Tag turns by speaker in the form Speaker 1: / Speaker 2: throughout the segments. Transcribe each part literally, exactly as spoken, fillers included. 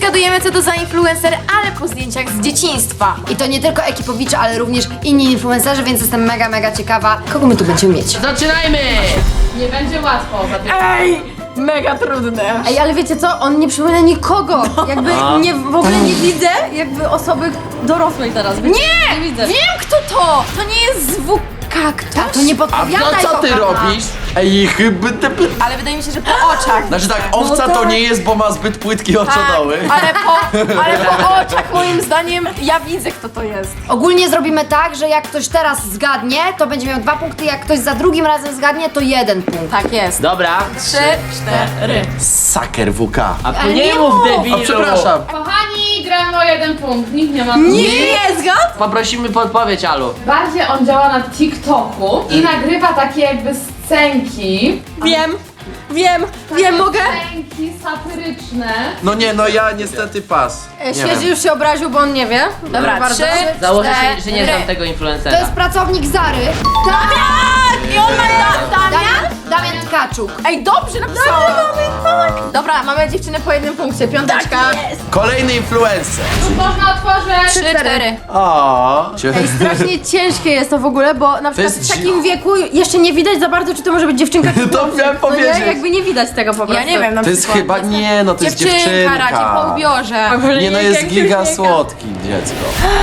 Speaker 1: zgadujemy, co to za influencer, ale po zdjęciach z dzieciństwa.
Speaker 2: I to nie tylko Ekipowicze, ale również inni influencerzy, więc jestem mega, mega ciekawa, kogo my tu będziemy mieć.
Speaker 3: Zaczynajmy!
Speaker 4: Nie będzie łatwo za tym.
Speaker 1: Ej, mega trudne.
Speaker 2: Ej, ale wiecie co? On nie przypomina nikogo. Jakby nie, w ogóle nie widzę jakby osoby dorosłej teraz.
Speaker 1: Nie!
Speaker 2: Nie widzę.
Speaker 1: Wiem, kto to! To nie jest zwuk kaktus?
Speaker 2: To nie
Speaker 5: A
Speaker 2: podpowiadaj,
Speaker 5: no co ty
Speaker 2: kochana.
Speaker 5: robisz? Ej, chyba... te-
Speaker 1: Ale wydaje mi się, że po oczach.
Speaker 5: Znaczy tak, owca
Speaker 2: No
Speaker 5: to
Speaker 2: tak.
Speaker 5: nie jest, bo ma zbyt płytkie oczodoły.
Speaker 1: ale po, ale po oczach moim zdaniem ja widzę, kto to jest.
Speaker 2: Ogólnie zrobimy tak, że jak ktoś teraz zgadnie, to będzie miał dwa punkty, jak ktoś za drugim razem zgadnie, to jeden punkt.
Speaker 1: Tak jest.
Speaker 3: Dobra.
Speaker 1: Trzy, cztery.
Speaker 5: Saker W K.
Speaker 3: A tu
Speaker 2: Ale
Speaker 3: nie
Speaker 2: nie
Speaker 3: mów
Speaker 2: mów.
Speaker 3: debilu.
Speaker 5: A przepraszam.
Speaker 4: Kochani, gramy o jeden punkt. Nikt nie ma.
Speaker 1: Nie, nie zgad?
Speaker 3: Poprosimy podpowiedź, Alu.
Speaker 4: Bardziej on działa na TikToku i nagrywa takie jakby scenki.
Speaker 1: Wiem, wiem, wiem, mogę?
Speaker 4: Scenki satyryczne.
Speaker 5: No nie, no ja niestety pas.
Speaker 2: E,
Speaker 5: Nie
Speaker 2: Świeży
Speaker 5: wiem.
Speaker 2: już się obraził, bo on nie wie.
Speaker 1: Dobra,
Speaker 2: bardzo.
Speaker 1: trzy,
Speaker 3: Założę się, że nie
Speaker 1: cztery.
Speaker 3: znam tego
Speaker 2: To
Speaker 3: influencera.
Speaker 2: jest pracownik Zary.
Speaker 1: Tak! I on ma da, Damian?
Speaker 2: Damian Tkaczuk.
Speaker 1: Ej, dobrze napisałam. Dobra, mamy dziewczynę po jednym punkcie, piąteczka.
Speaker 5: Kolejny influencer.
Speaker 4: Tu można otworzyć.
Speaker 1: Trzy, cztery.
Speaker 5: O.
Speaker 2: Ej, strasznie ciężkie jest to w ogóle, bo na przykład
Speaker 5: jest
Speaker 2: w takim
Speaker 5: dzi-
Speaker 2: wieku jeszcze nie widać za bardzo, czy to może być dziewczynka, czy
Speaker 5: To
Speaker 2: chłopczyk.
Speaker 5: miałem
Speaker 2: No nie,
Speaker 5: powiedzieć.
Speaker 2: jakby nie widać tego po prostu.
Speaker 1: Ja nie wiem, na
Speaker 5: To jest
Speaker 1: przykład.
Speaker 5: chyba, nie no, to jest
Speaker 1: Dziewczynka
Speaker 5: dziewczynka.
Speaker 1: raczej po ubiorze.
Speaker 5: Nie no, jest giga słodki dziecko.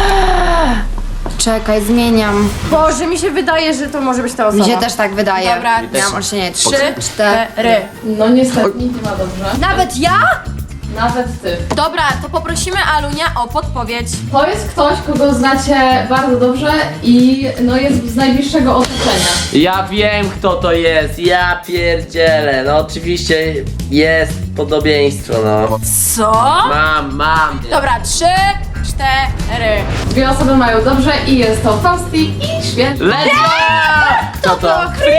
Speaker 2: Czekaj, zmieniam.
Speaker 1: Boże, mi się wydaje, że to może być ta osoba.
Speaker 2: Mi się też tak wydaje.
Speaker 1: Dobra,
Speaker 2: Miałam olśnienie.
Speaker 1: trzy,
Speaker 2: Cztery.
Speaker 1: cztery.
Speaker 4: No niestety, nikt nie ma dobrze.
Speaker 2: Nawet ja?
Speaker 4: Nawet ty.
Speaker 1: Dobra, to poprosimy Alunia o podpowiedź.
Speaker 4: To jest ktoś, kogo znacie bardzo dobrze i no jest z najbliższego otoczenia.
Speaker 3: Ja wiem, kto to jest. Ja pierdzielę. No oczywiście jest podobieństwo, no.
Speaker 1: Co?
Speaker 3: Mam, mam.
Speaker 1: Dobra, trzy, cztery.
Speaker 4: Dwie osoby mają dobrze i jest to Fausti i Święty.
Speaker 3: Let's go! Kto to?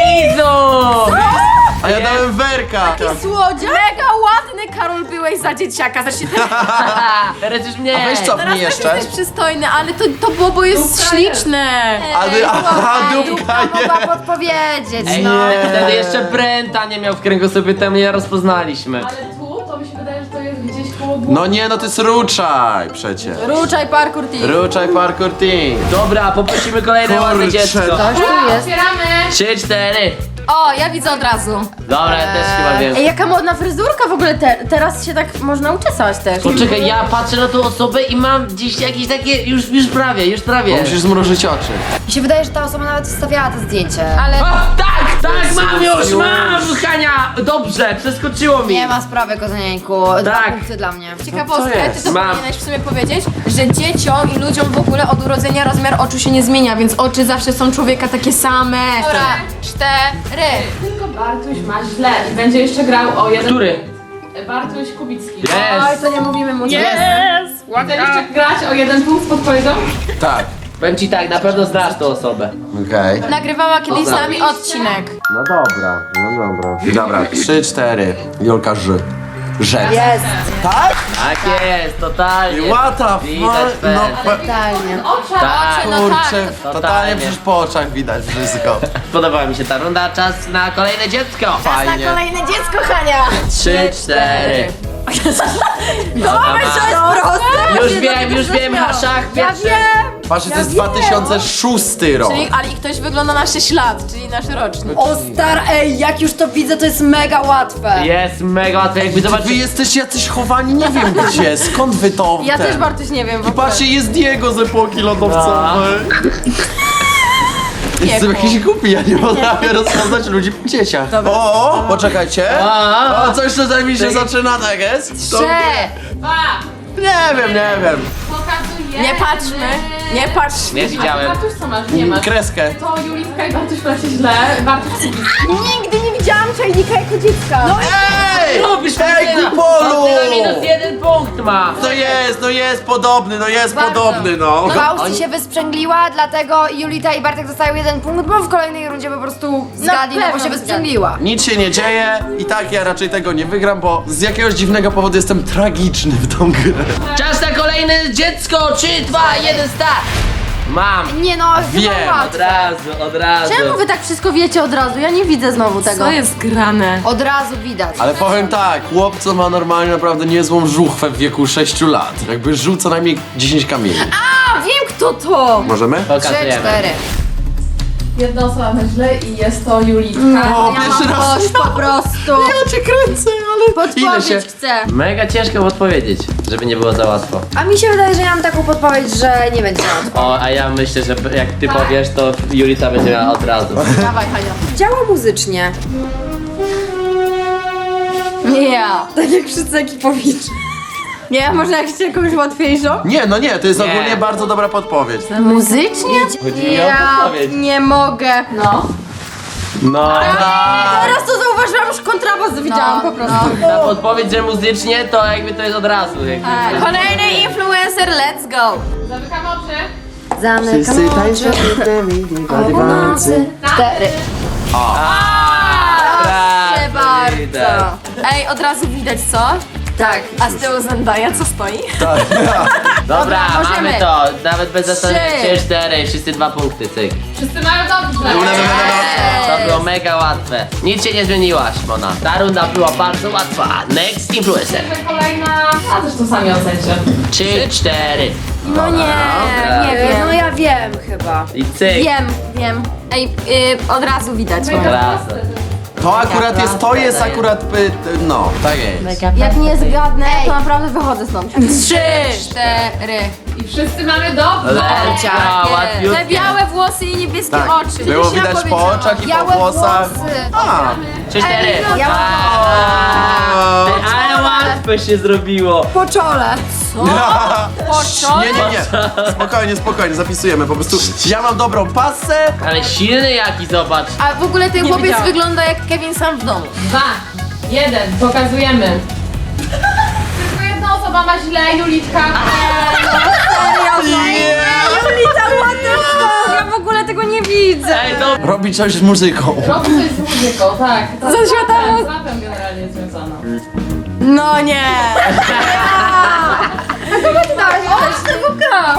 Speaker 3: Frizu!
Speaker 5: A ja dałem Werka.
Speaker 1: Słodziak? Mega ładny, Karol, byłeś za dzieciaka. Znaczy, teraz,
Speaker 3: Teraz już mnie.
Speaker 5: A weź cofnij
Speaker 1: teraz
Speaker 5: jeszcze.
Speaker 1: jesteś przystojny, ale to, to Bobo jest
Speaker 4: Dupka jest.
Speaker 1: śliczne.
Speaker 5: A ty, aha, dupka
Speaker 2: Dupka
Speaker 5: jest.
Speaker 2: mogła podpowiedzieć,
Speaker 3: Ej,
Speaker 2: no.
Speaker 3: wtedy jeszcze Brenta nie miał w kręgosłupie, tam nie rozpoznaliśmy.
Speaker 4: Ale tu to mi się wydaje, że to jest gdzieś koło głowy.
Speaker 5: No nie, no to jest Ruczaj przecież.
Speaker 2: Ruczaj parkour team.
Speaker 5: Ruczaj Parkour Team.
Speaker 3: Dobra, poprosimy kolejne
Speaker 5: Kurczę,
Speaker 3: ładne dziecko.
Speaker 5: to-
Speaker 2: Coś tu jest.
Speaker 4: Otwieramy!
Speaker 3: Trzy, cztery.
Speaker 1: O, ja widzę od razu.
Speaker 3: Dobra, ja też chyba wiem.
Speaker 2: Ej, jaka modna fryzurka w ogóle te, teraz się tak można uczesać też.
Speaker 3: Poczekaj, ja patrzę na tą osobę i mam gdzieś jakieś takie, już, już prawie, już prawie.
Speaker 5: Bo musisz zmrużyć oczy.
Speaker 2: Mi się wydaje, że ta osoba nawet wstawiała to zdjęcie.
Speaker 1: Ale
Speaker 3: A, tak, tak, mam już,
Speaker 5: Już.
Speaker 3: mam, Hania. Dobrze, przeskoczyło mi.
Speaker 2: Nie ma sprawy, kozanieńku. Dwa
Speaker 3: Tak.
Speaker 2: punkty dla mnie.
Speaker 1: ciekawostka,
Speaker 5: Co
Speaker 1: ty
Speaker 5: jest?
Speaker 1: to
Speaker 3: Mam.
Speaker 1: powinieneś w sumie powiedzieć, że dzieciom i ludziom w ogóle od urodzenia rozmiar oczu się nie zmienia, więc oczy zawsze są człowieka takie same. Dobra, cztery.
Speaker 4: Tylko Bartuś ma źle i będzie jeszcze grał o jeden
Speaker 3: Który?
Speaker 4: punkt. Bartuś Kubicki.
Speaker 2: Oj,
Speaker 3: Jest.
Speaker 2: to nie mówimy mu.
Speaker 1: Yes!
Speaker 4: Chcesz jeszcze grać o jeden punkt z podpowiedzią?
Speaker 5: Tak.
Speaker 3: Powiem ci tak, na pewno znasz tą osobę.
Speaker 5: Okej.
Speaker 1: Nagrywała kiedyś z nami odcinek.
Speaker 5: No dobra, no dobra. Dobra, trzy, cztery. Julka Ż. Rzec.
Speaker 2: Jest.
Speaker 5: Tak?
Speaker 3: Tak jest, totalnie.
Speaker 5: What the
Speaker 3: Widać
Speaker 5: fuck? No,
Speaker 3: pewnie.
Speaker 5: pe-
Speaker 2: Totalnie.
Speaker 4: Oczach!
Speaker 3: Tak.
Speaker 1: No tak.
Speaker 5: kurczę,
Speaker 3: Totalnie.
Speaker 5: totalnie przecież po oczach widać wszystko.
Speaker 3: Podobała mi się ta runda, czas na kolejne dziecko.
Speaker 5: Fajnie.
Speaker 1: Kolejne dziecko, Hania.
Speaker 3: Trzy, cztery. Dobra, ma. Już wiem, już wiem, szach
Speaker 2: Ja
Speaker 3: pierwszy.
Speaker 2: wiem.
Speaker 5: Patrzcie, to jest dwa tysiące szósty rok.
Speaker 1: Czyli, ale i ktoś wygląda na sześć lat, czyli nasz rocznik.
Speaker 2: O star, ej, jak już to widzę, to jest mega łatwe.
Speaker 3: Jest mega łatwe, jakby
Speaker 5: Wy
Speaker 3: zobaczyć.
Speaker 5: jesteście jacyś chowani, nie wiem gdzie, skąd wy to
Speaker 2: Ja
Speaker 5: ten?
Speaker 2: też Bartuś nie wiem w
Speaker 5: I
Speaker 2: ogóle.
Speaker 5: patrzcie, jest Diego z epoki lodowcowej. Jestem jakiś głupi, ja nie potrafię rozpoznać ludzi po dzieciach. O, o, poczekajcie.
Speaker 3: A,
Speaker 5: O, coś tutaj mi się zaczyna, tak jest? To-
Speaker 2: Trzy.
Speaker 4: Dwa!
Speaker 5: Nie wiem, nie wiem.
Speaker 4: Pokazuję!
Speaker 1: Nie patrzmy, nie patrzmy.
Speaker 3: nie widziałem.
Speaker 4: Bartuś co masz? Nie masz.
Speaker 5: Kreskę.
Speaker 4: To Julitka i Bartuś macie źle. Bartuś Kubicki.
Speaker 2: Nigdy nie widziałam czajnika jako dziecka. No
Speaker 5: Ej!
Speaker 3: Robisz
Speaker 5: Ej,
Speaker 3: Martyna.
Speaker 5: Kupolu!
Speaker 3: Martyna minus jeden punkt ma.
Speaker 5: No jest, no jest podobny, no jest podobny, no.
Speaker 2: Fausti się wysprzęgliła, dlatego Julita i Bartek dostają jeden punkt, bo w kolejnej rundzie po prostu zgadli, no bo
Speaker 1: pewno
Speaker 2: się wysprzęgliła.
Speaker 5: Nic się nie dzieje i tak ja raczej tego nie wygram, bo z jakiegoś dziwnego powodu jestem tragiczny w tą grę.
Speaker 3: Czas na kolejne dziecko. Trzy, dwa, jeden, start. Mam!
Speaker 2: Nie no,
Speaker 5: Wiem,
Speaker 2: chyba
Speaker 3: Od
Speaker 2: łatwe.
Speaker 3: razu, od razu.
Speaker 2: Czemu wy tak wszystko wiecie od razu? Ja nie widzę znowu tego.
Speaker 1: Co jest grane?
Speaker 2: Od razu widać.
Speaker 5: Ale powiem tak, chłopco ma normalnie naprawdę niezłą żuchwę w wieku sześciu lat. Jakby żył co najmniej dziesięć kamieni.
Speaker 2: A, wiem kto to!
Speaker 5: Możemy?
Speaker 2: Trzy,
Speaker 3: Pokazujemy.
Speaker 2: cztery.
Speaker 4: Jedna osoba na źle i jest to Julitka.
Speaker 5: O,
Speaker 2: Ja
Speaker 5: pierwszy
Speaker 2: mam
Speaker 5: raz.
Speaker 2: dość po prostu.
Speaker 5: Ja cię kręcę, ale ile się...
Speaker 2: Podpowiedź chcę.
Speaker 3: Mega ciężko odpowiedzieć, żeby nie było za łatwo.
Speaker 2: A mi się wydaje, że ja mam taką podpowiedź, że nie będzie łatwo.
Speaker 3: O, a ja myślę, że jak ty powiesz, to Julita będzie miała od razu.
Speaker 2: Dawaj, Hania. Działa muzycznie. Nie ja. Tak jak wszyscy ekipowicze. Nie, może jakąś jakąś łatwiejszą?
Speaker 5: Nie, no nie, to jest
Speaker 3: Nie.
Speaker 5: ogólnie bardzo dobra podpowiedź.
Speaker 2: Muzycznie?
Speaker 3: Chodzi mi o
Speaker 2: Ja
Speaker 3: podpowiedź.
Speaker 2: nie mogę.
Speaker 4: No.
Speaker 3: No, tak.
Speaker 2: Teraz to zauważyłam, już kontrabas widziałam po prostu.
Speaker 3: Na podpowiedź, że muzycznie, to jakby to jest od razu. Jakby.
Speaker 1: Kolejny influencer, let's go!
Speaker 4: Zamykam oczy.
Speaker 2: Zamykam oczy. Cztery. Proszę bardzo.
Speaker 1: Ej, od razu widać co?
Speaker 2: Tak.
Speaker 1: A z tyłu Zendaya co stoi?
Speaker 3: Dobra,
Speaker 2: możemy.
Speaker 3: mamy to. Nawet bez zastanowienia.
Speaker 2: Trzy.
Speaker 3: Trzy, cztery, wszyscy dwa punkty, cyk.
Speaker 4: Wszyscy mają dobrze.
Speaker 3: To było mega łatwe. Nic się nie zmieniłaś, Mona. Ta runda była bardzo łatwa. Next influencer.
Speaker 4: Kolejna. A zresztą sami ocencie.
Speaker 3: Trzy, cztery.
Speaker 2: No nie,
Speaker 3: Dobra.
Speaker 2: nie wiem. No ja wiem chyba.
Speaker 3: I cyk.
Speaker 2: Wiem, wiem.
Speaker 1: Ej, y, od razu widać.
Speaker 3: Od razu.
Speaker 5: To akurat jest, to jest akurat, y, no, tak jest.
Speaker 2: Jak nie zgadnę, to naprawdę wychodzę stąd.
Speaker 1: Trzy, cztery.
Speaker 4: I wszyscy mamy dobrze.
Speaker 3: Lecia,
Speaker 1: Te
Speaker 3: łatwiutkie.
Speaker 1: białe włosy i niebieskie
Speaker 5: Tak,
Speaker 1: oczy.
Speaker 5: było
Speaker 1: Już ja
Speaker 5: widać po
Speaker 1: powiedziałam.
Speaker 5: oczach i po
Speaker 2: Białe
Speaker 5: włosach.
Speaker 2: włosy.
Speaker 5: A,
Speaker 3: Trzy, cztery.
Speaker 2: ja mam-
Speaker 3: A, ty, ale łatwe się zrobiło.
Speaker 2: Po czole.
Speaker 1: Poczole?
Speaker 5: nie, nie, nie. Spokojnie, spokojnie, zapisujemy. Po prostu ja mam dobrą pasę.
Speaker 3: Ale silny jaki, zobacz.
Speaker 1: A w ogóle ten chłopiec
Speaker 2: widziałam.
Speaker 1: wygląda jak Kevin sam w domu.
Speaker 4: Dwa. Jeden. Pokazujemy. Tylko jedna osoba ma źle, Julitka.
Speaker 2: Julita, ładnie. Ja w ogóle tego nie widzę.
Speaker 3: Ej, no.
Speaker 5: Robi coś z muzyką.
Speaker 4: Robi coś z muzyką, tak. To
Speaker 1: Ze
Speaker 4: z
Speaker 1: światłem.
Speaker 4: rapem, Z rapem generalnie związana.
Speaker 2: No nie. A kogo ty dałeś? O, tego gra.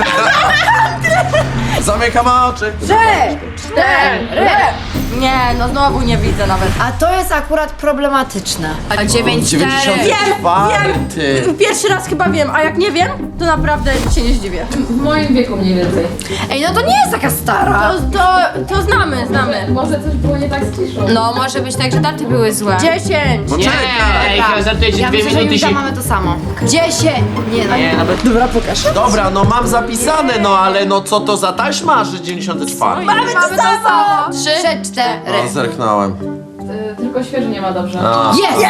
Speaker 5: Zamykam oczy.
Speaker 2: Trzy, cztery. Nie, no znowu nie widzę nawet.
Speaker 6: A to jest akurat problematyczne.
Speaker 1: A dziewięć, cztery.
Speaker 5: dziewięćdziesiąty czwarty.
Speaker 2: Pierwszy raz chyba wiem, a jak nie wiem, to naprawdę się nie zdziwię.
Speaker 4: W moim wieku mniej więcej.
Speaker 6: Ej, no to nie jest taka stara.
Speaker 2: To, to, to znamy, znamy.
Speaker 4: Może coś było nie tak z ciszą.
Speaker 1: No, może być tak, że daty były złe.
Speaker 2: Dziesięć.
Speaker 3: Nie, ej, chyba żartujecie,
Speaker 6: Ja
Speaker 3: dwie
Speaker 6: myślę, że
Speaker 3: minuty
Speaker 6: Julita
Speaker 3: się...
Speaker 6: mamy to samo. Dziesięć. Nie no.
Speaker 3: Nie, nawet...
Speaker 6: Dobra, pokaż.
Speaker 5: Dobra, no mam zapisane, no ale no co to za taśma, że dziewięćdziesiąty czwarty?
Speaker 2: Mamy to samo.
Speaker 1: Trzy.
Speaker 6: Trzy, cztery.
Speaker 5: No, zerknąłem.
Speaker 4: Y, tylko świeży nie ma dobrze.
Speaker 3: No.
Speaker 6: Jest!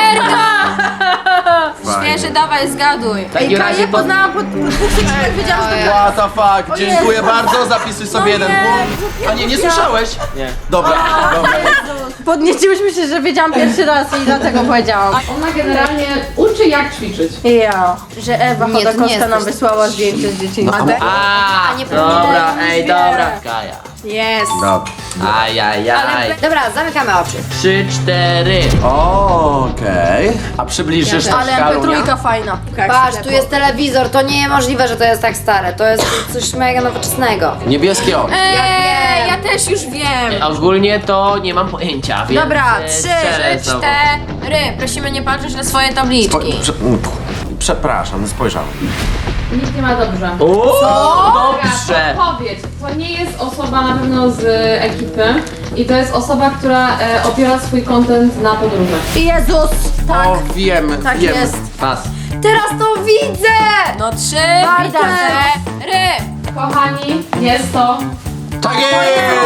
Speaker 1: Świeży, dawaj, zgaduj.
Speaker 3: W takim
Speaker 2: Ej,
Speaker 3: razie
Speaker 2: Kaję
Speaker 3: po...
Speaker 2: poznałam po dwóch sekundach, wiedziałam, że to gra.
Speaker 5: What the fuck, dziękuję bardzo, zapisuj sobie jeden
Speaker 2: nie,
Speaker 5: punkt. A nie, nie słyszałeś?
Speaker 3: Nie.
Speaker 5: Dobra, dobra.
Speaker 2: Podnieciłyśmy się, że wiedziałam pierwszy raz i dlatego powiedziałam.
Speaker 4: Ona generalnie uczy jak ćwiczyć.
Speaker 2: Ja, że Ewa
Speaker 6: Nie, to nie
Speaker 2: Chodakowska
Speaker 6: jest
Speaker 2: nam
Speaker 6: coś-
Speaker 2: wysłała zdjęcie z dzieciństwa.
Speaker 3: A,
Speaker 6: nie
Speaker 3: dobra,
Speaker 6: powinienem,
Speaker 3: ej,
Speaker 6: nie.
Speaker 3: dobra, Kaja.
Speaker 2: Jest.
Speaker 5: Dobra.
Speaker 3: Ajajaj.
Speaker 6: Dobra, zamykamy oczy.
Speaker 3: Trzy, cztery.
Speaker 5: Okej. A przybliżysz
Speaker 2: Ale
Speaker 5: troszkę
Speaker 2: M P
Speaker 5: Alunia?
Speaker 2: trzy fajna.
Speaker 6: Patrz, tu jest telewizor, to nie możliwe, że to jest tak stare. To jest coś mega nowoczesnego.
Speaker 5: Niebieskie oczy.
Speaker 1: Eee, ja też już wiem.
Speaker 3: A ogólnie to nie mam pojęcia, więc...
Speaker 1: Dobra,
Speaker 3: e,
Speaker 1: trzy,
Speaker 3: strzelę znowu.
Speaker 1: cztery. Prosimy nie patrzeć na swoje
Speaker 5: Po,
Speaker 1: tabliczki.
Speaker 5: prze, mm, przepraszam, spojrzałem.
Speaker 4: Nikt nie ma dobrze.
Speaker 3: Uuu, dobrze.
Speaker 4: Podpowiedź. To nie jest osoba na pewno z e, ekipy i to jest osoba, która e, opiera swój content na podróżach.
Speaker 2: Jezus, tak,
Speaker 5: O, wiem,
Speaker 2: tak
Speaker 5: wiem.
Speaker 2: jest.
Speaker 3: Pas.
Speaker 2: Teraz to widzę!
Speaker 1: No trzy,
Speaker 2: Bardzo.
Speaker 1: cztery.
Speaker 4: Kochani, jest to...
Speaker 5: Tak jest!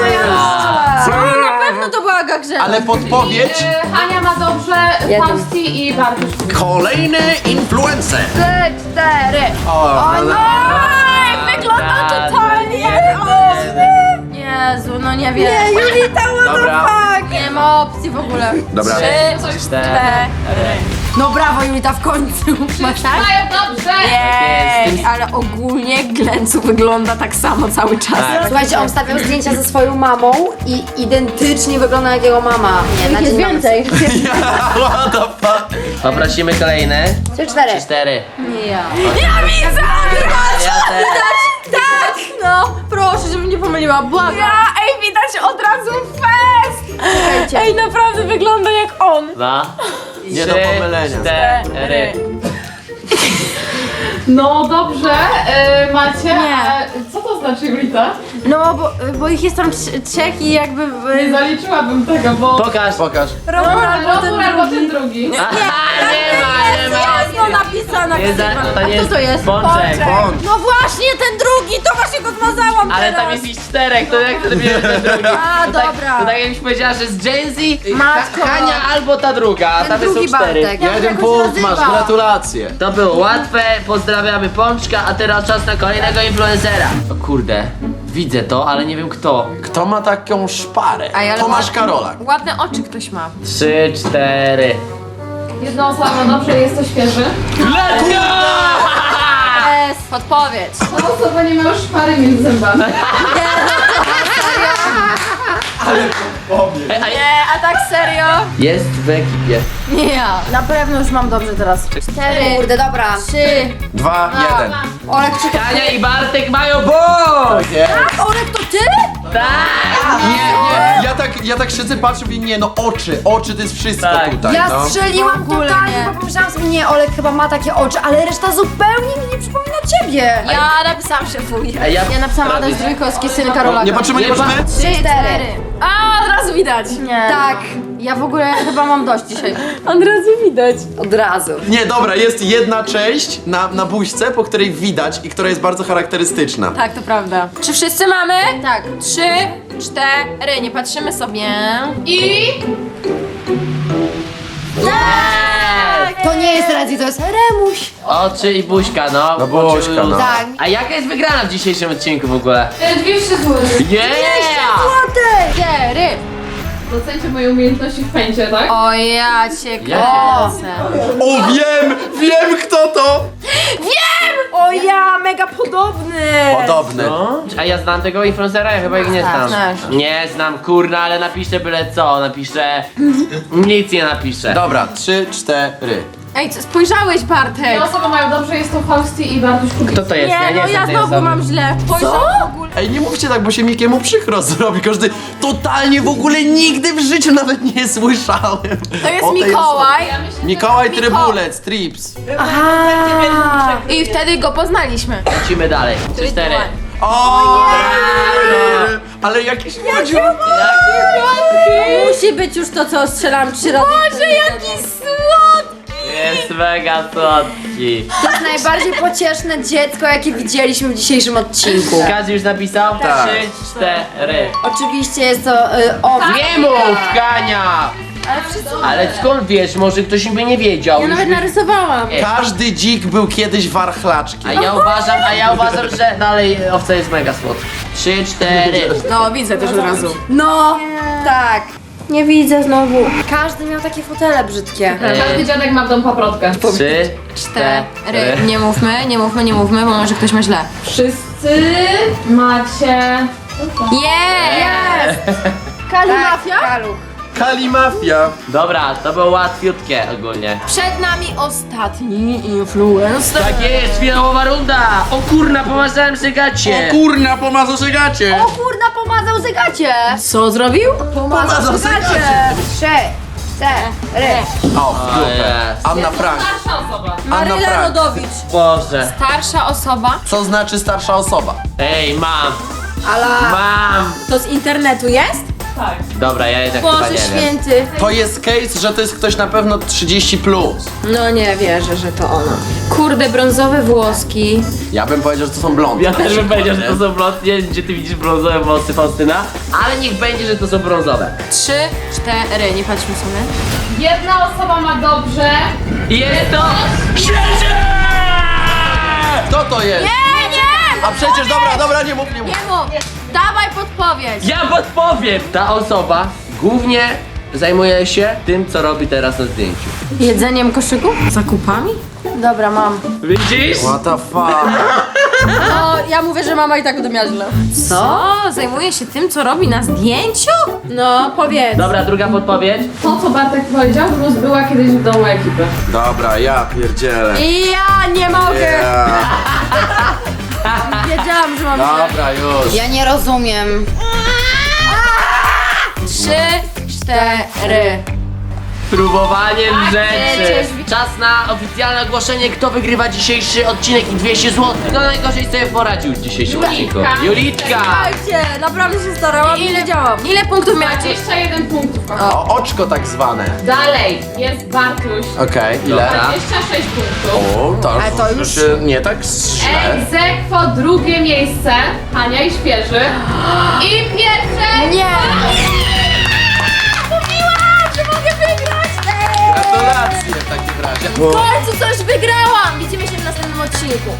Speaker 2: Na pewno to była Gagrzela.
Speaker 5: Ale podpowiedź,
Speaker 4: E, Hania ma dobrze,
Speaker 6: Jeden.
Speaker 4: Fausti i Bartusz.
Speaker 5: kolejny influencer.
Speaker 2: Trzy, cztery.
Speaker 5: O, ale...
Speaker 2: Oj, wygląda totalnie. Jezu, no nie wiem. Nie, Julita, what
Speaker 5: Dobra.
Speaker 2: the fuck? Nie ma opcji w ogóle.
Speaker 5: Dobra.
Speaker 3: Trzy, cztery.
Speaker 2: No brawo, Julita, w końcu. Masz tak?
Speaker 4: Mają dobrze!
Speaker 1: Ej, ale ogólnie Glencu wygląda tak samo cały czas.
Speaker 3: Tak.
Speaker 6: Słuchajcie, on wstawiał zdjęcia ze swoją mamą i identycznie wygląda jak jego mama. Nie, na
Speaker 2: Jest
Speaker 6: dzień mamy
Speaker 2: więcej.
Speaker 5: What the fuck?
Speaker 3: Poprosimy kolejne.
Speaker 6: Trzy, cztery.
Speaker 3: Cztery.
Speaker 2: Nie ja.
Speaker 3: Ja też.
Speaker 2: Tak! No, proszę, żebym nie pomyliła, błagam.
Speaker 1: Ja, ej, widać od razu fest!
Speaker 2: Czekajcie.
Speaker 1: Ej, naprawdę wygląda jak on.
Speaker 3: Dwa,
Speaker 5: Nie do
Speaker 3: trzy,
Speaker 5: pomylenia.
Speaker 3: cztery.
Speaker 4: No dobrze, e, macie.
Speaker 2: Nie.
Speaker 4: A co to znaczy, Julita?
Speaker 2: No, bo, bo ich jest tam trz- trzech i jakby...
Speaker 4: Nie zaliczyłabym tego, bo...
Speaker 3: Pokaż.
Speaker 5: Pokaż.
Speaker 2: Robór albo ten
Speaker 4: Robór albo
Speaker 2: drugi.
Speaker 4: ten drugi.
Speaker 3: Aha, nie ma, nie ma.
Speaker 2: Jasno napisane.
Speaker 3: Nie za, to nie
Speaker 2: A
Speaker 3: jest
Speaker 2: kto to jest?
Speaker 3: Pączek.
Speaker 5: Bądź.
Speaker 2: No właśnie, ten drugi, to właśnie go zmazałam
Speaker 3: Ale
Speaker 2: teraz.
Speaker 3: tam jest ich czterech, to jak to bierze ten drugi?
Speaker 2: A,
Speaker 3: To tak,
Speaker 2: dobra.
Speaker 3: to tak jakbyś powiedziała, że z Gen Z,
Speaker 2: Matko.
Speaker 3: Ha- Hania albo ta druga, a
Speaker 6: Ten
Speaker 3: tam są
Speaker 6: drugi
Speaker 3: cztery.
Speaker 6: Bartek.
Speaker 2: Jak
Speaker 5: Jeden
Speaker 2: się
Speaker 5: punkt
Speaker 2: nazywa?
Speaker 5: masz, gratulacje.
Speaker 3: To było łatwe, pozdrawiamy Pączka, a teraz czas na kolejnego influencera. O kurde, widzę to, ale nie wiem kto.
Speaker 5: Kto ma taką szparę?
Speaker 1: Ej, ale
Speaker 5: Tomasz
Speaker 1: ładne-
Speaker 5: Karolak.
Speaker 1: Ładne oczy ktoś ma.
Speaker 3: Trzy, cztery.
Speaker 4: Jedna osoba, no dobrze, jest to świeży.
Speaker 3: Let's go!
Speaker 2: Jest.
Speaker 1: Podpowiedź.
Speaker 4: Ta osoba nie ma szpary między zębami.
Speaker 3: Ej, a
Speaker 1: Nie, a tak serio?
Speaker 3: Jest w ekipie.
Speaker 2: Nie ja. Na pewno już mam dobrze teraz. Cztery,
Speaker 6: Kurde, dobra.
Speaker 2: trzy.
Speaker 5: Dwa, jeden.
Speaker 6: Olek, czy
Speaker 3: Hania i Bartek mają błąd!
Speaker 5: Nie,
Speaker 2: Olek, to ty?
Speaker 3: Tak!
Speaker 5: nie, nie. Ja tak, ja tak siedzę, patrzę i nie, no oczy, oczy to jest wszystko
Speaker 3: Tak.
Speaker 5: tutaj,
Speaker 6: ja
Speaker 5: no.
Speaker 6: strzeliłam
Speaker 2: W ogóle
Speaker 6: totalnie,
Speaker 2: nie.
Speaker 6: bo pomyślałam sobie, nie, Olek chyba ma takie oczy, ale reszta zupełnie mi nie przypomina ciebie.
Speaker 1: Ja napisałam szefuję.
Speaker 3: Ej, ja,
Speaker 2: Ja napisałam Adaś Drójkowski, syn Karolaka.
Speaker 5: Nie patrzymy, nie
Speaker 3: Nie
Speaker 5: patrzymy?
Speaker 6: Trzy, cztery.
Speaker 1: A, od razu widać.
Speaker 2: Nie.
Speaker 6: Tak,
Speaker 2: Ja w ogóle chyba mam dość dzisiaj.
Speaker 1: Od razu widać.
Speaker 6: od razu.
Speaker 5: Nie, dobra, jest jedna część na, na buźce, po której widać i która jest bardzo charakterystyczna.
Speaker 1: Tak, to prawda. Czy wszyscy mamy?
Speaker 2: Tak.
Speaker 1: Trzy, cztery, nie patrzymy sobie.
Speaker 4: I...
Speaker 6: To nie jest Redzi, to jest Remuś.
Speaker 3: Oczy i buźka, no.
Speaker 5: No buźka,
Speaker 3: Oczy i
Speaker 5: no.
Speaker 3: usta.
Speaker 6: Tak.
Speaker 3: A jaka jest wygrana w dzisiejszym odcinku w ogóle?
Speaker 4: e, dwieście złotych.
Speaker 3: Yeah!
Speaker 2: Cztery.
Speaker 4: Docencie moje umiejętności w pęcie, tak?
Speaker 1: O, ja cię
Speaker 3: Jakie?
Speaker 1: kręcę.
Speaker 5: O, wiem, wiem kto to!
Speaker 2: O ja, mega podobny.
Speaker 5: Podobny.
Speaker 3: No. A ja znam tego influencera? Ja chyba ich nie znam.
Speaker 2: znasz.
Speaker 3: Nie znam, kurna, ale napiszę byle co. Napiszę... Nic nie napiszę.
Speaker 5: Dobra, trzy, cztery.
Speaker 1: Ej, co, spojrzałeś, Bartek?
Speaker 4: Te osoby mają dobrze, jest to Fausti i Bartuś Kubicki.
Speaker 3: Kto to jest?
Speaker 2: Nie,
Speaker 3: ja nie
Speaker 2: no
Speaker 3: znam
Speaker 2: ja
Speaker 3: tej
Speaker 2: znowu
Speaker 3: osoby.
Speaker 2: mam źle.
Speaker 1: Co? W ogóle.
Speaker 5: Ej, nie mówcie tak, bo się Mikiemu przykro zrobi. Każdy totalnie w ogóle nigdy w życiu nawet nie słyszałem.
Speaker 1: To jest
Speaker 5: o tej
Speaker 1: Mikołaj.
Speaker 4: Ja myślę,
Speaker 5: osobie. Mikołaj
Speaker 1: Miko-
Speaker 5: Trybulec, Trips.
Speaker 2: Aha.
Speaker 1: I wtedy go poznaliśmy.
Speaker 3: Lecimy dalej. Trzy, cztery.
Speaker 5: O! Ale jakiś młodziu.
Speaker 2: Musi być już to, co strzelam trzy razy.
Speaker 1: Boże, jaki słodki!
Speaker 3: Jest mega słodki.
Speaker 6: To jest najbardziej pocieszne dziecko, jakie widzieliśmy w dzisiejszym odcinku.
Speaker 3: Każdy już napisał?
Speaker 5: Tak.
Speaker 3: Trzy, cztery.
Speaker 6: Oczywiście jest to y, o...
Speaker 3: Nie mów, Kania!
Speaker 2: Ale wszyscy...
Speaker 3: Ale skąd wiesz? Może ktoś by nie wiedział.
Speaker 2: Ja
Speaker 3: Już
Speaker 2: nawet
Speaker 3: by-
Speaker 2: narysowałam.
Speaker 5: Każdy dzik był kiedyś warchlaczkiem.
Speaker 3: A ja uważam, a ja uważam, że dalej owca jest mega słodka. Trzy, cztery.
Speaker 1: No, widzę też od razu.
Speaker 6: No, tak.
Speaker 2: Nie widzę znowu.
Speaker 6: Każdy miał takie fotele brzydkie.
Speaker 4: Każdy dziadek ma w domu paprotkę.
Speaker 3: Trzy,
Speaker 1: Cztery.
Speaker 3: cztery.
Speaker 1: Nie mówmy, nie mówmy, nie mówmy, bo może ktoś ma źle.
Speaker 4: Wszyscy macie...
Speaker 1: Jest!
Speaker 2: Kali
Speaker 6: Tak,
Speaker 2: Mafia?
Speaker 6: Kaluch.
Speaker 5: Kalimafia.
Speaker 3: Dobra, to było łatwiutkie ogólnie.
Speaker 1: Przed nami ostatni influencer.
Speaker 3: Tak jest, finałowa runda! O kurna, pomazałem sobie gacie!
Speaker 5: O kurna, pomazał się gacie.
Speaker 6: O kurna, pomazał zegacie.
Speaker 1: Co zrobił?
Speaker 6: Pomazał
Speaker 5: się gacie.
Speaker 6: Trzy, cztery.
Speaker 5: O, w dupę.
Speaker 3: jest.
Speaker 5: Anna Frank.
Speaker 4: Starsza osoba.
Speaker 5: Anna
Speaker 2: Maryla
Speaker 5: Frank.
Speaker 2: Rodowicz.
Speaker 3: Boże.
Speaker 1: Starsza osoba.
Speaker 5: Co znaczy starsza osoba?
Speaker 3: Ej, mam,
Speaker 6: Ala.
Speaker 3: mam!
Speaker 2: To z internetu jest?
Speaker 4: Tak.
Speaker 3: Dobra, ja jednak chyba
Speaker 2: Boże
Speaker 3: nie wiem.
Speaker 2: święty.
Speaker 5: To jest case, że to jest ktoś na pewno trzydzieści plus.
Speaker 2: No nie wierzę, że to ona.
Speaker 1: Kurde, brązowe włoski.
Speaker 5: Ja bym powiedział, że to są blondy.
Speaker 3: Ja
Speaker 5: na
Speaker 3: też bym
Speaker 5: przykład,
Speaker 3: powiedział, że
Speaker 5: nie?
Speaker 3: to są brązowe. Nie wiem, gdzie ty widzisz brązowe włosy, Faustyna, ale niech będzie, że to są brązowe.
Speaker 1: Trzy, cztery, nie patrzmy sobie.
Speaker 4: Jedna osoba ma dobrze.
Speaker 3: I jest to... Świecie!
Speaker 5: Kto to jest?
Speaker 1: Nie, nie!
Speaker 5: A przecież, dobra, dobra, nie mów, nie mów.
Speaker 1: Nie mów! Dawaj podpowiedź!
Speaker 3: Ja podpowiem! Ta osoba głównie zajmuje się tym, co robi teraz na zdjęciu.
Speaker 2: Jedzeniem koszyku?
Speaker 1: Zakupami?
Speaker 2: Dobra, mam.
Speaker 3: Widzisz?
Speaker 5: What the fuck?
Speaker 2: No, ja mówię, że mama i tak będę miała źle.
Speaker 1: Co? Zajmuje się tym, co robi na zdjęciu?
Speaker 2: No, powiedz.
Speaker 3: Dobra, druga podpowiedź.
Speaker 4: To, co Bartek powiedział, plus była kiedyś w domu ekipy.
Speaker 5: Dobra, ja pierdzielę.
Speaker 2: I ja nie mogę.
Speaker 5: Yeah.
Speaker 2: Wiedziałam, wiedziałam, że mam źle.
Speaker 5: Dobra, już.
Speaker 6: Ja nie rozumiem.
Speaker 1: Trzy, cztery.
Speaker 3: Próbowaniem rzeczy.
Speaker 1: przecież-
Speaker 3: Czas na oficjalne ogłoszenie, kto wygrywa dzisiejszy odcinek i dwieście złotych. Kto najgorzej sobie poradził w dzisiejszym odcinku? Julitka!
Speaker 2: Słuchajcie, naprawdę się starałam i wiedziałam.
Speaker 1: Ile punktów miałacie?
Speaker 4: dwadzieścia jeden punktów. kochani.
Speaker 5: O, oczko tak zwane.
Speaker 4: Dalej jest Bartuś.
Speaker 5: Okej, ile?
Speaker 3: Dobra.
Speaker 4: dwadzieścia sześć punktów.
Speaker 5: O, to,
Speaker 1: Ale to już-
Speaker 5: się nie tak źle.
Speaker 4: Egzekwo drugie miejsce, Hania i Świeży. I pierwsze...
Speaker 1: Nie!
Speaker 5: Gratulacje w takim razie.
Speaker 1: W końcu coś wygrałam! Widzimy się w następnym odcinku.